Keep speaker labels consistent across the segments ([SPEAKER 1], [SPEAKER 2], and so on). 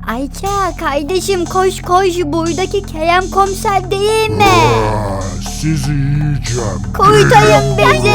[SPEAKER 1] Ayça kardeşim koş koş, buradaki Kerem komiser değil mi?
[SPEAKER 2] Sizi yiyeceğim.
[SPEAKER 1] Kurtarın bizi.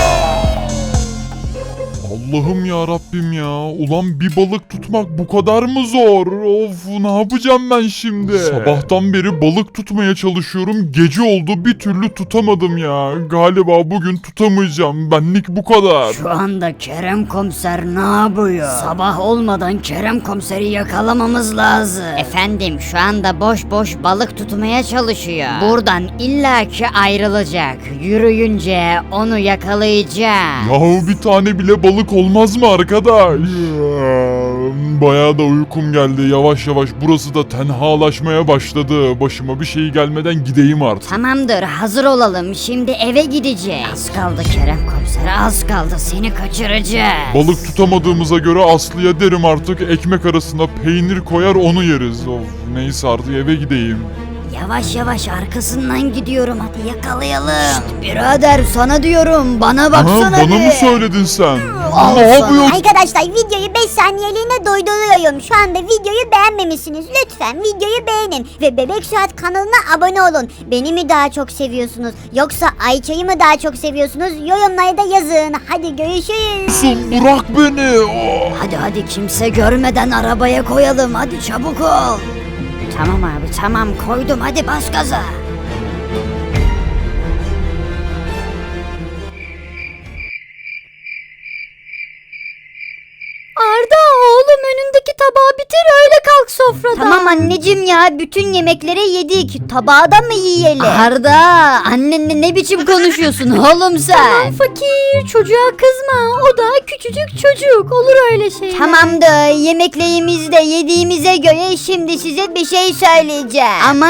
[SPEAKER 2] Allah'ım ya Rabbim ya. Ulan bir balık tutmak bu kadar mı zor? Of, ne yapacağım ben şimdi? Sabahtan beri balık tutmaya çalışıyorum. Gece oldu, bir türlü tutamadım ya. Galiba bugün tutamayacağım. Benlik bu kadar.
[SPEAKER 3] Şu anda Kerem komiser ne yapıyor? Sabah olmadan Kerem komiseri yakalamamız lazım.
[SPEAKER 1] Efendim şu anda boş boş balık tutmaya çalışıyor. Buradan illaki ayrılacak. Yürüyünce onu yakalayacağım.
[SPEAKER 2] Yahu bir tane bile balık olmaz mı arkadaş? Bayağı da uykum geldi. Yavaş yavaş burası da tenhalaşmaya başladı. Başıma bir şey gelmeden gideyim artık.
[SPEAKER 1] Tamamdır, hazır olalım. Şimdi eve gideceğiz.
[SPEAKER 3] Az kaldı Kerem komiser, az kaldı, seni kaçıracağız.
[SPEAKER 2] Balık tutamadığımıza göre Aslı'ya derim artık, ekmek arasına peynir koyar onu yeriz. Of, neyse artık eve gideyim.
[SPEAKER 3] Yavaş yavaş arkasından gidiyorum, hadi yakalayalım. Şşt birader, sana diyorum, bana baksana
[SPEAKER 2] Bana
[SPEAKER 3] bir.
[SPEAKER 2] mı söyledin sen?
[SPEAKER 3] Al
[SPEAKER 2] Ne
[SPEAKER 3] sana.
[SPEAKER 2] yapıyorsun?
[SPEAKER 4] Arkadaşlar videoyu 5 saniyeliğine durduruyorum. Şu anda videoyu beğenmemişsiniz. Lütfen videoyu beğenin. Ve Bebek Suat kanalına abone olun. Beni mi daha çok seviyorsunuz? Yoksa Ayça'yı mı daha çok seviyorsunuz? Yorumlarda yazın. Hadi görüşürüz.
[SPEAKER 2] Bırak beni. Oh.
[SPEAKER 3] Hadi kimse görmeden arabaya koyalım, hadi çabuk ol. Tamam abi tamam, koydum, hadi bas gaza.
[SPEAKER 1] Arda oğlum, önündeki tabağı bitir, öyle kalk sofradan. Tamam anneciğim ya, bütün yemekleri yedik. Tabağı da mı yiyelim?
[SPEAKER 3] Arda, annenle ne biçim konuşuyorsun oğlum sen?
[SPEAKER 1] Tamam fakir, çocuğa kızma. O da küçücük çocuk, olur öyle şeyler. Tamamdır, yemeklerimizi de yediğimize göre şimdi size bir şey söyleyeceğim. Ama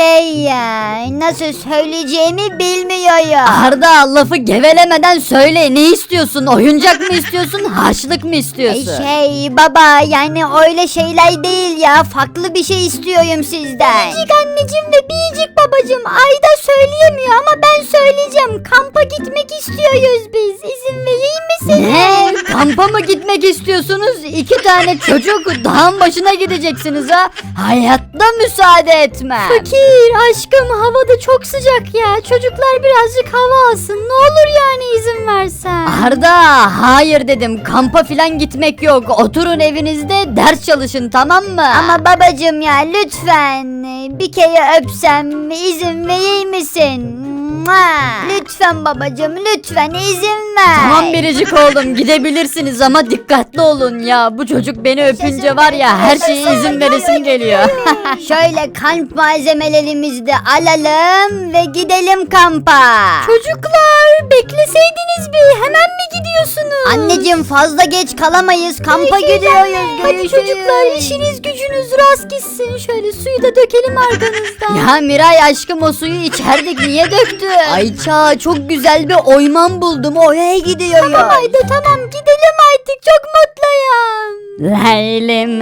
[SPEAKER 1] nasıl söyleyeceğimi bilmiyorum.
[SPEAKER 3] Arda, lafı gevelemeden söyle, ne istiyorsun? Oyuncak mı istiyorsun, harçlık mı istiyorsun?
[SPEAKER 1] Baba, yani öyle şeyler değil ya, farklı bir şey istiyorum sizden. Biricik anneciğim ve biricik babacığım, Ayda söyleyemiyor ama ben söyleyeceğim. Kampa gitmek istiyoruz biz, izin vereyim misiniz?
[SPEAKER 3] Ne? Kampa mı gitmek istiyorsunuz? 2 tane çocuk dağın başına gideceksiniz ha? Hayatta müsaade etmem.
[SPEAKER 1] Fakir aşkım, havada çok sıcak ya, çocuklar birazcık hava alsın, ne olur yani izin versen.
[SPEAKER 3] Arda, hayır dedim, kampa filan gitmek yok. Oturun evinizde ders çalışın, tamam mı?
[SPEAKER 1] Ama babacığım ya, lütfen bir kere öpsem izin verir misin? Lütfen babacığım, lütfen izin ver.
[SPEAKER 3] Tamam biricik oğlum, gidebilirsiniz ama dikkatli olun ya. Bu çocuk beni öpünce var ya, her şeye izin veresim geliyor.
[SPEAKER 1] Şöyle kamp malzemelerimizi de alalım ve gidelim kampa. Çocuklar bekleseydiniz bir, hemen mi gidiyorsunuz? Anneciğim fazla geç kalamayız, kampa gidiyoruz. Hadi çocuklar, işiniz gücünüz rast gitsin. Şöyle suyu da dökelim arkanızdan.
[SPEAKER 3] Ya Miray aşkım, o suyu içerdik, niye döktün?
[SPEAKER 1] Ayça, çok güzel bir oyman buldum, oraya gidiyorum. Tamam Ayda, tamam gidelim artık, çok mutluyum.
[SPEAKER 3] Leylim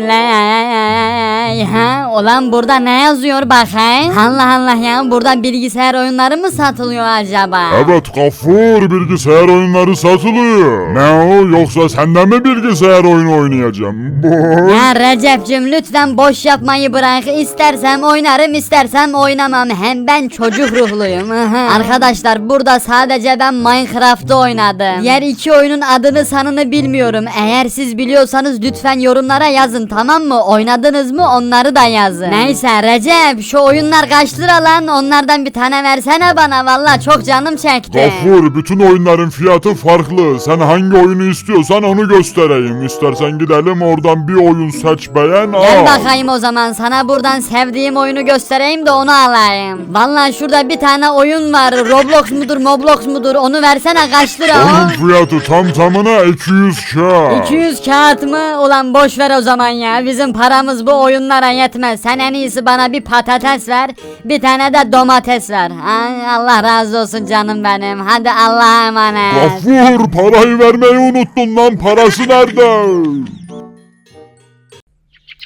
[SPEAKER 3] ley, ha? Ulan burada ne yazıyor bakayım? Allah Allah ya, burada bilgisayar oyunları mı satılıyor acaba?
[SPEAKER 2] Evet Gafur, bilgisayar oyunları satılıyor. Ne o, yoksa senden mi bilgisayar oyunu oynayacağım?
[SPEAKER 3] Ya Recep'cim lütfen boş yapmayı bırak. İstersem oynarım, istersem oynamam. Hem ben çocuk ruhluyum. Arkadaşlar, burada sadece ben Minecraft'ı oynadım. Diğer 2 oyunun adını sanını bilmiyorum. Eğer siz biliyorsanız lütfen yorumlara yazın, tamam mı? Oynadınız mı, onları da yazın. Neyse Recep, şu oyunlar kaç lira lan? Onlardan bir tane versene bana, valla çok canım çekti.
[SPEAKER 2] Gafur, bütün oyunların fiyatı farklı. Sen hangi oyunu istiyorsan onu göstereyim. İstersen gidelim oradan bir oyun seç, beğen,
[SPEAKER 3] Gel
[SPEAKER 2] al.
[SPEAKER 3] bakayım o zaman, sana buradan sevdiğim oyunu göstereyim de onu alayım. Vallahi şurada bir tane oyun var, Roblox mudur Moblox mudur, onu versene, kaç lira
[SPEAKER 2] Onun
[SPEAKER 3] o?
[SPEAKER 2] fiyatı tamına 200 kağıt.
[SPEAKER 3] 200 kağıt mı? Ulan boş ver o zaman ya, bizim paramız bu oyunlara yetmez. Sen en iyisi bana bir patates ver, bir tane de domates ver. Ay, Allah razı olsun canım benim, hadi Allah'a emanet.
[SPEAKER 2] Gafur, parayı vermeyi unuttun lan, parası nerede?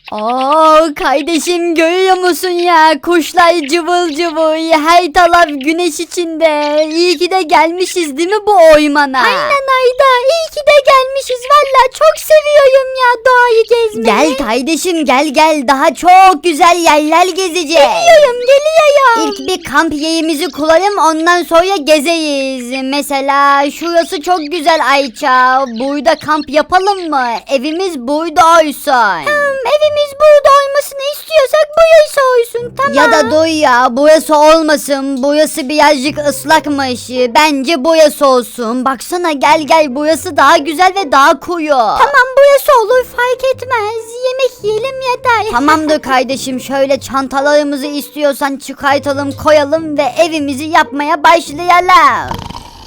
[SPEAKER 3] Oo kardeşim görüyor musun ya? Kuşlar cıvıl cıvıl, her taraf güneş içinde. İyi ki de gelmişiz değil mi bu oymana?
[SPEAKER 1] Aynen Ayda, iyi ki de gelmişiz. Valla çok seviyorum ya doğayı gezmeyi.
[SPEAKER 3] Gel kardeşim gel daha çok güzel yerler gezeceğiz.
[SPEAKER 1] Geliyorum.
[SPEAKER 3] İlk bir kamp yerimizi kuralım, ondan sonra gezeyiz. Mesela şurası çok güzel Ayça. Burada kamp yapalım mı? Evimiz burada olsun.
[SPEAKER 1] Evimiz burada olmasını istiyorsak burası olsun, tamam.
[SPEAKER 3] Ya da dur ya, burası olmasın. Burası birazcık ıslakmış. Bence burası olsun. Baksana gel burası daha güzel ve daha koyu.
[SPEAKER 1] Tamam burası olur, fark etmez. Yemek yiyelim yeter.
[SPEAKER 3] Tamamdır kardeşim, şöyle çantalarımızı istiyorsan çıkartalım koyalım ve evimizi yapmaya başlayalım.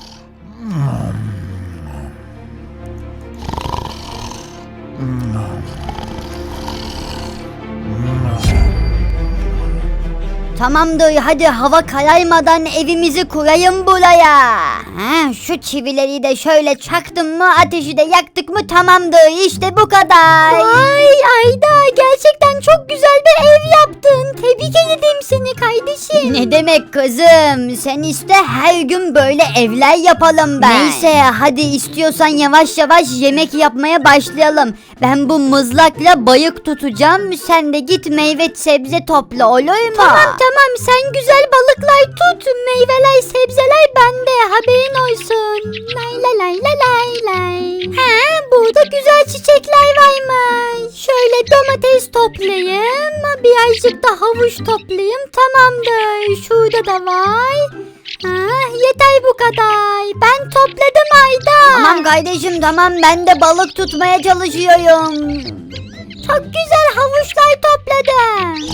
[SPEAKER 3] Tamamdır, hadi hava kararmadan evimizi kurayım buraya. Şu çivileri de şöyle çaktım mı, ateşi de yaktık mı tamamdır, işte bu kadar.
[SPEAKER 1] Vay Ayda, gerçekten çok güzel bir ev yaptın. Tebrik ederim seni kardeşim.
[SPEAKER 3] Ne demek kızım, sen iste her gün böyle evler yapalım ben. Neyse hadi istiyorsan yavaş yavaş yemek yapmaya başlayalım. Ben bu mızrakla balık tutacağım, sen de git meyve sebze topla, olur mu?
[SPEAKER 1] Tamam sen güzel balıklar tut. Meyveler sebzeler bende, haberin olsun. Lay. Burada güzel çiçekler varmış. Şöyle domates toplayayım. Birazcık da havuç toplayayım. Tamamdır. Şurada da var. Yeter bu kadar. Ben topladım Ayda.
[SPEAKER 3] Tamam kardeşim tamam, ben de balık tutmaya çalışıyorum.
[SPEAKER 1] Çok güzel havuçlar topladım.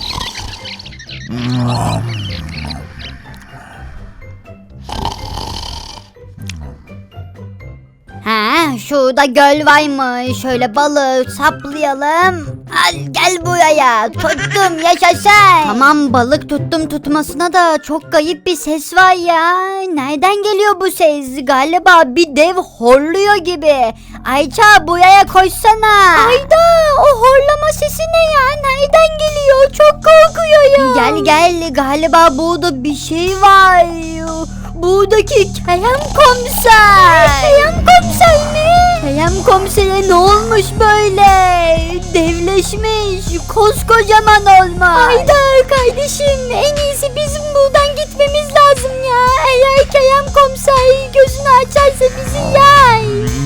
[SPEAKER 3] Şurada göl varmış. Şöyle balığı saplayalım. Al gel buraya. Tuttum, yaşasın. Tamam balık tuttum, tutmasına da çok kayıp bir ses var ya. Nereden geliyor bu ses? Galiba bir dev horluyor gibi. Ayça buraya koşsana.
[SPEAKER 1] Ayda, o horlama sesi ne ya? Nereden geliyor? Çok korkuyorum.
[SPEAKER 3] Gel galiba burada bir şey var. Buradaki Kerem komiser.
[SPEAKER 1] Kerem komiser mi?
[SPEAKER 3] Kerem komisere ne olmuş böyle? Devleşmiş, koskocaman olmuş.
[SPEAKER 1] Ayda kardeşim, en iyisi bizim buradan gitmemiz lazım ya. Eğer Kerem komiser gözünü açarsa bizi yer.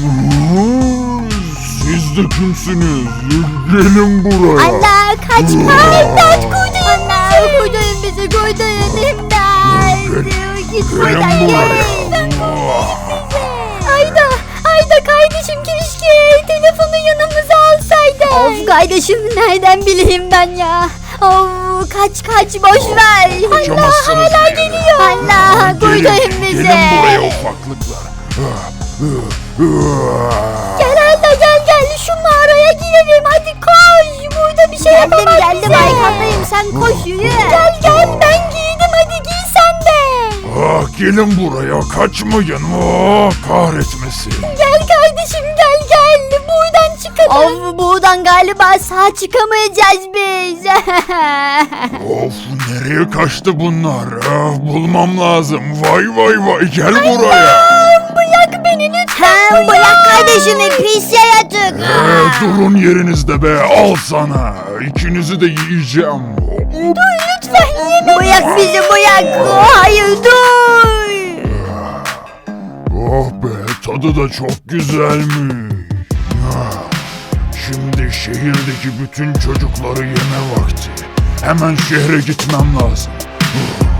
[SPEAKER 2] Siz de kimsiniz? Gelin buraya.
[SPEAKER 3] Allah kaç.
[SPEAKER 1] İmdat, kurtarın bizi.
[SPEAKER 3] Kurtarın imdat. Git
[SPEAKER 2] Gelin
[SPEAKER 3] buradan
[SPEAKER 2] buraya.
[SPEAKER 1] Ayda kardeşim, keşke telefonu yanımıza alsaydık.
[SPEAKER 3] Of kardeşim, nereden bileyim ben ya? Of kaç boş ver.
[SPEAKER 2] Kaçamazsınız
[SPEAKER 1] hala
[SPEAKER 2] bir yere.
[SPEAKER 1] geliyor.
[SPEAKER 3] Allah kurtarın bizi.
[SPEAKER 2] Gelin buraya ufaklıklar.
[SPEAKER 1] Gel Ayda, gel şu mağaraya girelim, hadi koş. Burada bir şey yapamaz
[SPEAKER 3] Geldim
[SPEAKER 1] bize.
[SPEAKER 3] arkandayım, sen koş yürü.
[SPEAKER 1] Gel ben giydim, hadi giy sen de.
[SPEAKER 2] Gelin buraya, kaçmayın. Kahretmesin.
[SPEAKER 1] Gel kardeşim, gel buradan çıkalım.
[SPEAKER 3] Of buradan galiba sağ çıkamayacağız biz.
[SPEAKER 2] Of, nereye kaçtı bunlar? Bulmam lazım. Vay gel buraya.
[SPEAKER 1] Bırak beni lütfen.
[SPEAKER 3] Bırak kardeşimi, pis yaratık.
[SPEAKER 2] Durun yerinizde be, al sana. İkinizi de yiyeceğim.
[SPEAKER 1] Dur lütfen, yeme.
[SPEAKER 3] Bırak bizi bırak. Hayır dur.
[SPEAKER 2] Oh be, tadı da çok güzelmiş. Şimdi şehirdeki bütün çocukları yeme vakti. Hemen şehre gitmem lazım.